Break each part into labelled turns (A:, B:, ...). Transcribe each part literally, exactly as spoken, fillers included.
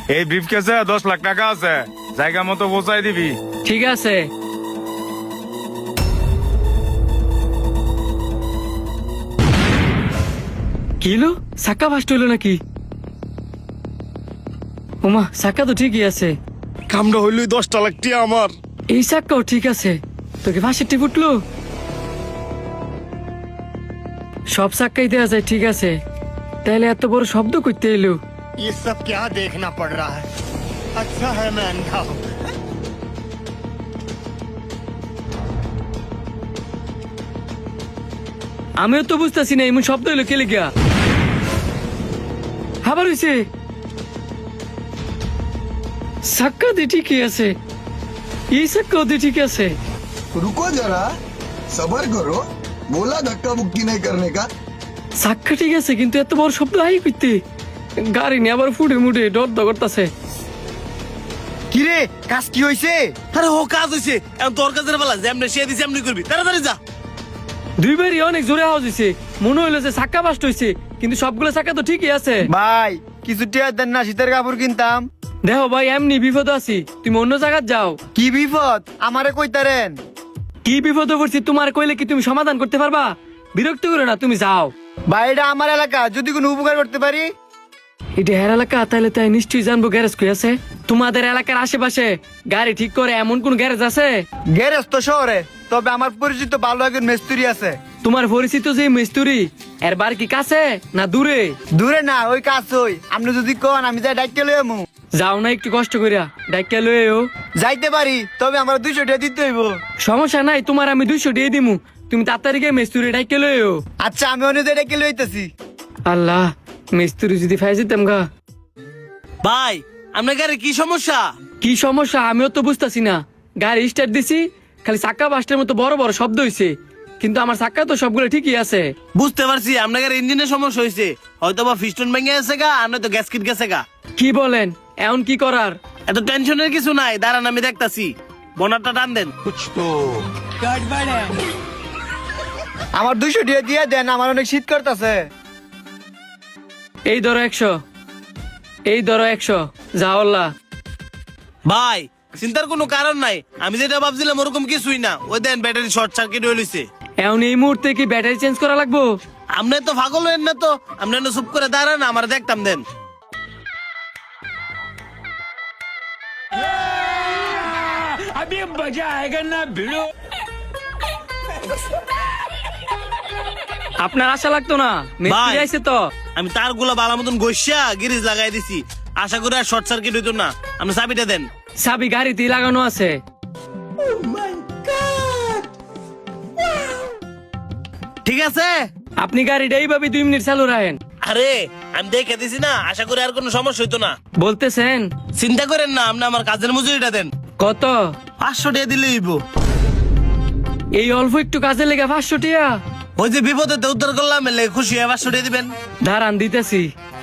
A: এই ব্রিফকেসে দশ লাখ টাকা আছে, জায়গা মতো পৌঁছাই দিবি।
B: ঠিক আছে। কি হলো, চাক্কা ফাস্ট হইলো নাকি? ওমা, চাক্কা তো ঠিকই আছে।
C: কামটা হইল দশটা লাখ টিয়া আমার।
B: এই চাক্কাও ঠিক আছে, তোকে ফাঁসের টিপ উঠলো। সব চাক্কাই দেওয়া যায়, ঠিক আছে। তাহলে এত বড় শব্দ করতে এলো।
D: ये सब क्या देखना पड़ रहा है? अच्छा है मैं अंधा हूँ।
B: আমিও তো বুঝতেছি না এমন শব্দ হইলো কে লিগা। আবার হইছে, চাক্কা দিয়ে ঠিকই আছে, এই চাক্কাও দিয়ে ঠিক আছে।
E: रुको जरा, सबर करो। बोला धक्का मुक्की नहीं करने का।
B: চাক্কা ঠিক আছে, কিন্তু এত বড় শব্দ আই করতে গাড়ি নিয়ে আবার ফুটে মুটে ডর দ করতেছে।
C: কিরে কাজ কি হইছে?
F: আরে ও কাজ হইছে, এখন তোর কাজের বেলা যেমনে সে দিছে এমনি করবি, তাড়াতাড়ি যা।
B: দুইবারই অনেক জোরে আওয়াজ হয়েছে, মনে হইলো যে চাক্কা বাস্ট হয়েছে, কিন্তু সবগুলো চাক্কা তো ঠিকই আছে।
C: ভাই কিছু টিয়া দেন না, শীতের কাপড় কিনতাম।
B: দেখো ভাই, এমনি বিপদ আছি, তুমি অন্য জায়গায় যাও।
C: কি বিপদ আমারে কইতারেন?
B: কি বিপদ পড়ছি তোমার কইলে কি তুমি সমাধান করতে পারবা? বিরক্ত করো না, তুমি যাও।
C: ভাই এটা আমার এলাকা, যদি কোনো উপকার করতে পারি।
B: এটা হের এলাকা, তাহলে তাই নিশ্চয়ই জানবো গ্যারেজ কই আছে। তোমাদের এলাকার আশেপাশে গাড়ি ঠিক করে এমন কোন গ্যারেজ আছে?
C: গ্যারেজ তো শহরে, তবে আমার পরিচিত ভালো একজন মিস্ত্রি আছে।
B: তোমার পরিচিত যে মিস্ত্রি, এর বার কি কাছে না দূরে?
C: দূরে না, ওই কাজ হই। আপনি যদি কোন আমি যাই ডাইকে লই আমু।
B: যাও না একটু কষ্ট করিয়া, ডাইকা লইও।
C: যাইতে পারি, তবে আমার দুইশো টাকা দিতে হইব।
B: সমস্যা নাই, তোমার আমি দুইশো দিয়ে দিমু, তুমি তাড়াতাড়ি গিয়ে মিস্ত্রি ডাইকা লইও।
C: আচ্ছা আমি অন্য জায়গায় ডাইকে লইতেছি।
B: আল্লাহ, মিস্ত্রি যদি ফাই যেতাম গা।
F: ভাই আপনার গাড়ি কি সমস্যা?
B: কি সমস্যা আমিও তো বুঝতেছি না। গাড়ি স্টার্ট দিছি, খালি চাক্কা বাস্টের মতো বড় বড় শব্দ হইছে, কিন্তু আমার চাক্কা তো সবগুলো ঠিকই আছে।
F: বুঝতে পারছি আপনার গাড়ি ইঞ্জিনের সমস্যা হয়েছে, হয়তো বা ফিস্টন ভেঙে গেছে গা, আর নয়তো গ্যাসকিট গেছে গা।
B: কি বলেন, এখন কি করার?
F: এত টেনশনের কিছু নাই, দাঁড়ান আমি দেখতাছি। বোনারটা টান দেন।
C: আমার দুইশো টাকা দিয়ে দেন, আমার অনেক শীত করতেছে।
B: এই ধরো একশো, এই ধরো একশো, যাও আল্লাহ।
F: ভাই চিন্তার কোনো কারণ নাই, আমি যেটা ভাবছিলাম ওরকম কিছুই না। ওই দেন ব্যাটারি শর্ট সার্কিট হইছে।
B: এখন এই মুহূর্তে কি ব্যাটারি চেঞ্জ করা লাগবো?
F: আপনি তো পাগল হইন না তো, আপনি চুপ করে দাঁড়ান, আমার দেখতাম দেন।
B: আপনার আশা লাগতো না, মিস্ত্রি
F: ভাই।
B: আইছে তো।
F: আমি তার গুলা বালা মতন গইসা গিরিজ লাগাই দিছি, আশা করি আর শর্ট সার্কিট হইতো না। আপনি চাবিটা দেন।
B: চাবি গাড়িতে লাগানো আছে।
F: ঠিক আছে,
B: আপনি গাড়িটা এইভাবে দুই মিনিট চালু রাখেন।
F: আরে আমি দেখে দিছি না, আশা করি আর কোনো সমস্যা হইতো না।
B: বলতেছেন?
F: চিন্তা করেন না, আপনি আমার কাজের মজুরিটা দেন।
B: কত?
F: পাঁচশো টাকা দিলে হইব।
B: এই অল্প একটু কাজে লেগে পাঁচশো টাকা?
F: ওই যে বিপদে তো উদ্ধার করলাম, এলে খুশি হয়ে পাঁচশো টাকা দিবেন।
B: দাঁড়ান দিতেছি।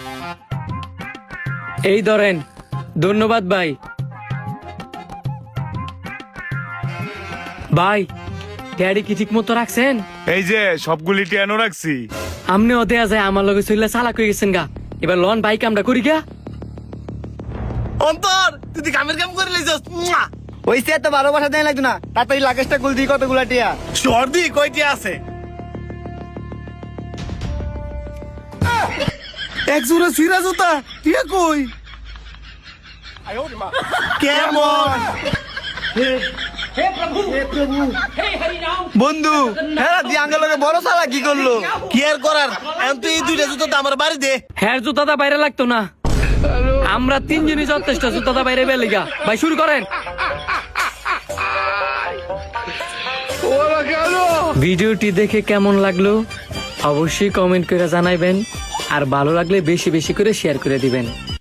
B: এই ধরেন, ধন্যবাদ ভাই। ভাই গাড়ি কি ঠিক মতো রাখছেন?
A: এই যে সবগুলি টিয়ানো রাখছি।
B: আমনে ও দেয়া যায় আমার লগে চললে চালাক হয়ে গেছেন গা। এবার লন বাইক আমরা করি গা।
F: অন্তর তুই কামের কাম করে লইছস।
C: ওই সে তো ভালোবাসা দেয় লাগতো না, তাড়াতাড়ি লাগেজটা গুল দিই কতগুলা টিয়া।
F: সর্দি কয়টি আছে?
C: এক জোড়া সিরা জুতা টিয়া কই?
F: কেমন
C: বন্ধু হ্যাঁ দি আঙ্গলকে বড় সালা কি করলো?
F: কি আর করার, এখন তুই এই দুইটা জুতো তো আমার বাড়ি দে।
B: হ্যাঁ জুতাটা বাইরে লাগতো না, আমরা তিনজনই যথেষ্ট জুতাটা বাইরে বেলে গা। ভাই শুরু করেন। ভিডিওটি দেখে কেমন লাগলো অবশ্যই কমেন্ট করে জানাইবেন, আর ভালো লাগলে বেশি বেশি করে শেয়ার করে দিবেন।